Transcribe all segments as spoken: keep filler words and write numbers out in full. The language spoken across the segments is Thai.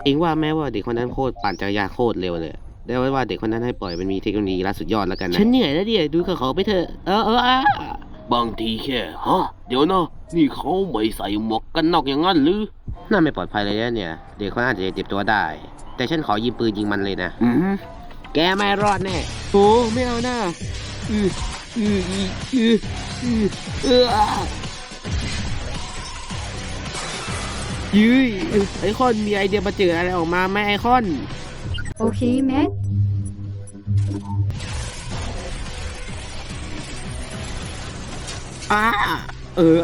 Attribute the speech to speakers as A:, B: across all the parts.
A: เองว่าแม้ว่าเด็กคนนั้นโคตรปั่นจักรยานโคตรเร็วเลยได้ไว้ว่าเด็กคนนั้นให้ปล่อยมันมีเทคโนโลยีล้ำสุดยอดแล้วกันนะฉันเหนื่อยแล้วเดี๋ยวดูเขาไปเถอะเออเอออ่ะ
B: บางทีแค่ฮะเดี๋ยวนะนี่เขาไม่ใส่หมวกกันน็อกอย่างนั้นหรือ
A: น่าไม่ปลอดภัยเลยนะเนี่ยเด็กคนนั้นอาจจะเจ็บตัวได้แต่ฉันขอยิงปืนยิงมันเลยนะ
B: อืม
A: แกไม่รอดแน่โอ้ไม่เอาหน้าอืออืออืออืออือเออยื้ยไอคอนมีไอเดียมาเจออะไรออกมาไหมไอคอน
C: โอเคแม็ก
A: อ่าเออ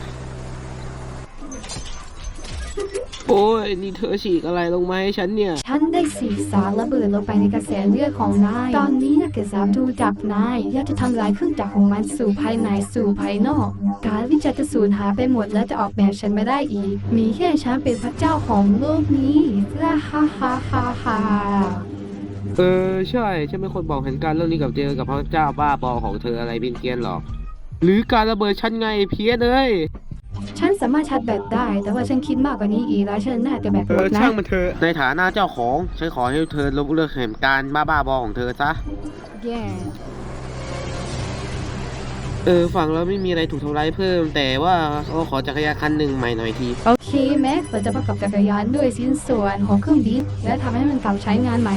A: โอ้ยนี่เธอฉีกอะไรลงมาให้ฉันเนี่ย
C: ฉันได้สีสารระเบิดลงไปในกระแสเลือดของนายตอนนี้นักศึกษาดูจับนายอยากจะทำลายเครื่องจักรของมันสู่ภายในสู่ภายนอกการวิจัยจะสูญหายไปหมดและจะออกแบบฉันไม่ได้อีกมีแค่ฉันเป็นพระเจ้าของโลกนี้ฮ่าฮ่าฮ่าฮ่าฮ่า
A: เออใช่ฉันเป็นคนบอกเหตุการณ์เรื่องนี้กับเจอกับพระเจ้าบ้าบอของเธออะไรเพี้ยนเพี้ยนหรอกหรือการระเบิดฉันไงเพี้ยนเลย
C: ฉันสามารถชาร์จแบตได้แต่ว่าฉันคิดมากกว่านี้อีกแล้วฉันน่าจะแบตหมดนะ
A: ช่างมันเถอะในฐานะเจ้าของฉันขอให้เธอลบเลิกเหตุการณ์บ้าบ้าบอของเธอซะ
C: แย่
A: เออฝั่งเราไม่มีอะไรถูกทำร้ายเพิ่มแต่ว่าเขาขอจักรยานคันหนึ่งใหม่หน่อยที
C: โอเคแม็กเราจะประกอบจักรยานด้วยชิ้นส่วนของเครื่องบินและทำให้มันกลับใช้งานใหม่